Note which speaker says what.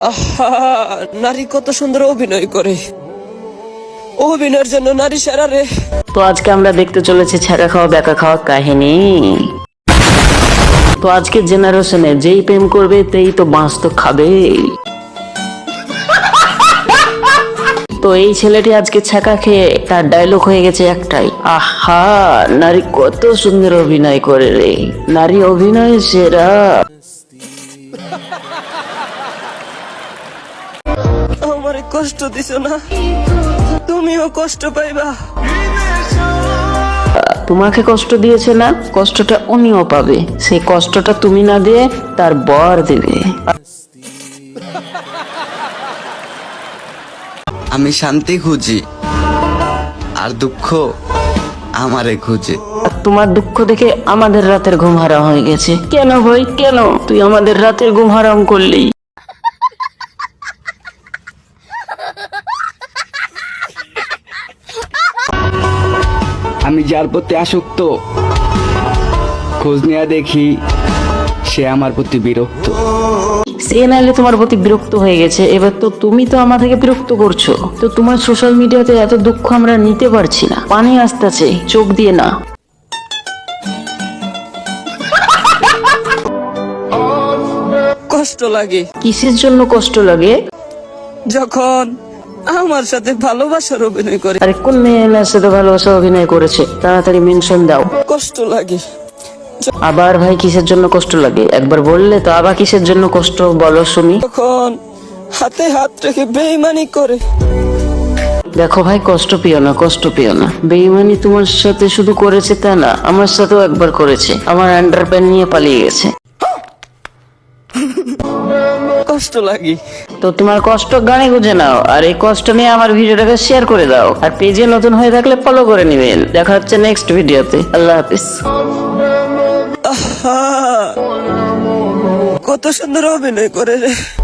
Speaker 1: আহা, নারী কত সুন্দর অভিনয় করে। অভিনয়ের জন্য নারী সেরা রে।
Speaker 2: তো আজকে আমরা দেখতে চলেছি ছ্যাঁকা খাওয়া ব্যাকা খাওয়া কাহিনী। তো আজকে জেনারেশনে যেই প্রেম করবে তেই তো বাঁশ তো খাবে। তো এই ছেলেটি আজকে ছ্যাঁকা খেয়ে তার ডায়লগ হয়ে গেছে একটাই, আহা নারী কত সুন্দর অভিনয় করে রে, নারী অভিনয় সেরা।
Speaker 1: আমারে কষ্ট দিছো না, তুমিও কষ্ট পাইবা।
Speaker 2: তোমাকে কষ্ট দিয়েছে না, কষ্টটা উনিও পাবে। সেই কষ্টটা তুমি না দিয়ে তার বর দেবে।
Speaker 3: আমি শান্তি খুঁজি আর দুঃখ আমারে খুঁজে।
Speaker 2: তোমার দুঃখ দেখে আমাদের রাতের ঘুম হারাম হয়ে গেছে। কেন ভাই কেন তুই আমাদের রাতের ঘুম হারাম করলি?
Speaker 4: আমি যার প্রতি আসক্ত, খোঁজ নেওয়া দেখি সে আমার প্রতি বিরক্ত।
Speaker 2: সে নাইলে তোমার প্রতি বিরক্ত হয়ে গেছে, এবার তো তুমি তো আমার থেকে বিরক্ত করছো। তো তোমার সোশ্যাল মিডিয়াতে এত দুঃখ আমরা নিতে পারছি না, পানি আসতেছে চোখ দিয়ে না।
Speaker 1: কষ্ট লাগে।
Speaker 2: কিসের জন্য কষ্ট লাগে?
Speaker 1: যখন আমার সাথে ভালোবাসার অভিনয় করে।
Speaker 2: আরে কোন মেয়ের সাথে ভালোবাসা অভিনয় করেছে, তাড়াতাড়ি মেনশন দাও।
Speaker 1: কষ্ট লাগে।
Speaker 2: আবার ভাই কিসের জন্য কষ্ট লাগে একবার বললে তো, আবার কিসের জন্য কষ্ট বলো শুনি।
Speaker 1: যখন হাতে হাত রেখে বেইমানি করে।
Speaker 2: দেখো ভাই কষ্ট পেও না, কষ্ট পেও না। বেইমানি তোমার সাথে শুধু করেছে তা না, আমার সাথেও একবার করেছে। আমার আন্ডারপ্যান্ট নিয়ে পালিয়ে গেছে।
Speaker 1: কষ্ট লাগে।
Speaker 2: তো তোমার কষ্ট গানে গুঁজে নাও, আর এই কষ্ট নিয়ে আমার ভিডিওটাকে শেয়ার করে দাও। আর পেজে নতুন হয়ে থাকলে ফলো করে নিবেন। দেখা হচ্ছে নেক্সট ভিডিওতে। আল্লাহ হাফিজ।
Speaker 1: আহা, কত সুন্দর অভিনয় করে রে।